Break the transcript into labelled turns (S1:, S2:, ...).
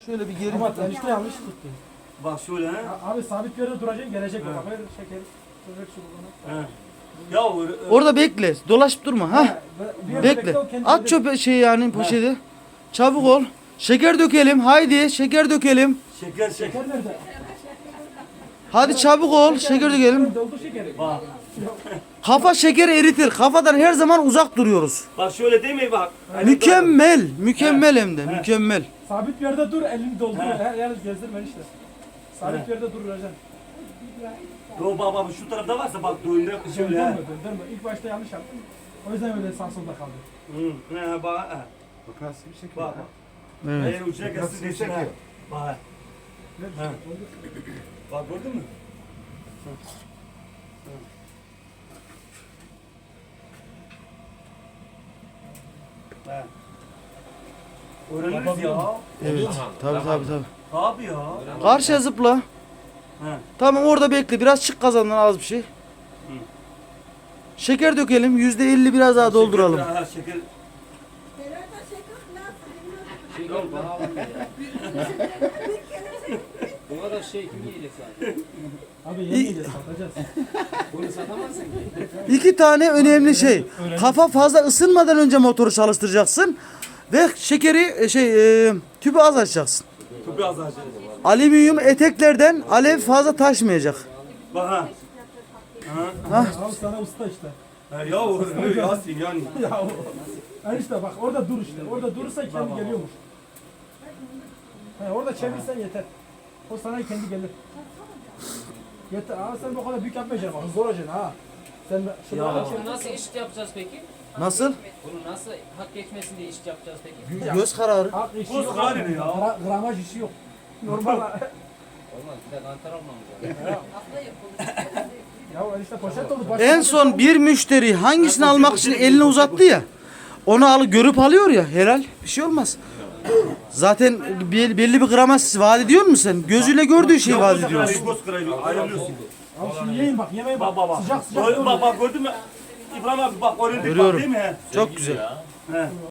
S1: Şöyle bir geri.
S2: Ama enişte yanlış tuttu.
S3: Bak şöyle he.
S2: Abi sabit bir yerde duracaksın, gelecek o
S3: He.
S2: bak. Ver şeker. Ver şu bunu.
S3: He. Ya
S1: Orada bekle. Dolaşıp durma. Ha.
S2: Bir yerde
S1: Bekle.
S2: o kendi
S1: At
S2: gelir.
S1: çöpe şey yani poşeti. Çabuk ol. Şeker dökelim. Haydi şeker dökelim.
S3: şeker.
S2: Şeker nerede?
S1: Hadi çabuk ol. Şeker dökelim.
S2: Doldu şekeri.
S3: Bak.
S1: Kafa şekeri eritir. Kafadan her zaman uzak duruyoruz.
S3: Bak şöyle değil mi bak.
S1: Mükemmel. Mükemmel hem de. Mükemmel.
S2: Sabit bir yerde dur, elini doldur.
S3: He.
S2: Her yer gezdirme işte. Sabit
S3: He.
S2: bir yerde duracaksın.
S3: Yo bak şu tarafta varsa bak döndür şöyle
S2: Döndürme,
S3: he.
S2: döndürme. İlk başta yanlış yaptın. O yüzden öyle sağ solda kaldı.
S3: Hı. He bak. He.
S4: Bak nasıl bir şekil.
S3: Bak.
S1: Evet.
S3: Eğer ucuna gelsin
S4: Nasıl bir
S3: desin ha.
S4: şekil.
S3: Bak.
S2: Ver
S3: He.
S2: doldur.
S3: Bak gördün mü? He. Öğreniriz ya.
S1: Evet. Tabii tabii tabii.
S3: Abi ya.
S1: Karşıya zıpla.
S3: He.
S1: Tamam orada bekle. Biraz çık kazandan az bir şey. Şeker dökelim. %50 biraz daha dolduralım.
S3: Şeker, ha, şeker.
S5: Şey yok bana alın ya. Bu kadar şey kim yiyecek zaten?
S2: Abi yemeyeceğiz, satacağız.
S5: Bunu satamazsın ki.
S1: 2 tane önemli şey. Kafa fazla ısınmadan önce motoru çalıştıracaksın. Ve şekeri tüpü az açacaksın.
S3: Çok az daha şey.
S1: Alüminyum eteklerden alev fazla taşmayacak.
S3: Bak ha.
S2: Abi sana usta işte.
S3: Ha, ya o Yasin yani.
S2: Ya o. Ha işte bak orada dur işte. Orada durursan kendi geliyormuş. He, orada çevirsen yeter. O sana kendi gelir. Yeter. Abi sen bu kadar büyük yapmayacaksın. Bak zor olacaksın ha. Sen şunu
S3: Ya.
S2: al,
S5: Bunu nasıl iş yapacağız peki?
S1: Nasıl?
S5: Bunu nasıl hak geçmesin diye iş yapacağız peki?
S1: Göz kararı.
S2: Hak işi
S3: Koz
S2: yok.
S3: kararı ne ya?
S2: Gramaj işi yok. Normal.
S5: Olmaz bir de kantar olmamız lazım.
S2: Ya işte poşet oldu.
S1: En son bir müşteri hangisini almak için elini uzattı ya. Onu görüp alıyor ya, helal, bir şey olmaz. Zaten belli bir gramaj vaat ediyor musun sen? Gözüyle gördüğü şeyi vaat ediyorsun.
S3: Koz kararı ayarlıyorsun.
S2: Abi şimdi yiyin bak yemeğe
S3: Bak
S2: bak.
S3: bak bak.
S2: Sıcak sıcak.
S3: Bak bak gördün mü? İbrahim abi bak öğrendik bak
S1: Görüyorum.
S3: değil mi he?
S1: Çok güzel.
S3: He.